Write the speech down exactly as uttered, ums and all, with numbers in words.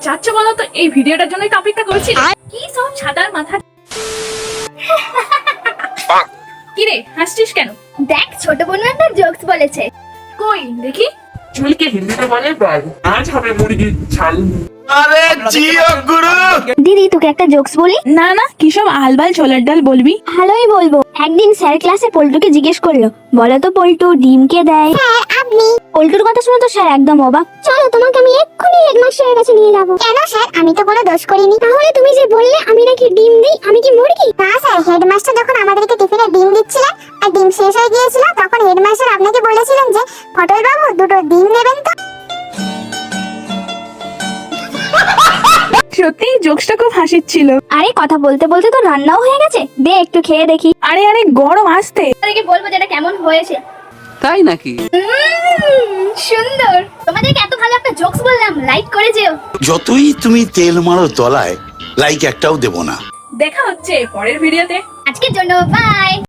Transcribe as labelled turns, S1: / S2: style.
S1: চাচ্ছ বলো তো? এই ভিডিওটার জন্যই তো অপেক্ষা করছি। কি সব ছাতার মাথা। কি রে হাসছিস কেন?
S2: দেখ ছোট বোন একটা জোকস বলেছে।
S1: কই দেখি।
S3: চুলকে হিন্দিতে বলে বাল, আজ হবে মুরগির ছাল।
S4: আরে জিও গুরু।
S2: দিদি তোকে একটা জোকস বলি।
S1: না না, কি সব আলবাল ছোলার ডাল বলবি?
S2: ভালোই বলবো। একদিন স্যার ক্লাসে পল্টুকে জিজ্ঞেস করলো, বলো তো পল্টু ডিম কে দেয়? স্যার আপনি। পল্টুর কথা শুনে তো স্যার একদম অবাক। চলো তোমাকে আমি এক্ষুনি হেডমাস্টারের কাছে নিয়ে যাবো। কেন স্যার, আমি তো কোনো দোষ করিনি। তাহলে তুমি যে বললে আমি নাকি ডিম দিই, আমি কি মুরগি? না স্যার, হেডমাস্টার যখন আমাদেরকে টিফিনে ডিম দিচ্ছিলেন আর ডিম শেষ হয়ে গিয়েছিল, তখন হেডমাস্টার আপনাকে বলেছিলেন যে পটল বাবু দুটো ডিম নেবেন তো।
S1: সত্যি জোকসটা খুব হাসির ছিল।
S2: আরে কথা বলতে বলতে তো রান্নাও হয়ে গেছে, দে একটু খেয়ে দেখি।
S1: আরে আরে গরম আসতে।
S2: তোমাদেরকে বলবো যেটা কেমন হয়েছে।
S5: তাই নাকি?
S2: উম, সুন্দর। তোমাদেরকে এত ভালো একটা জোকস বললাম, লাইক করে যেও।
S4: যতই তুমি তেল মারো তলায়, লাইক একটাও দেব না।
S1: দেখা হচ্ছে পরের ভিডিওতে।
S2: আজকের জন্য বাই।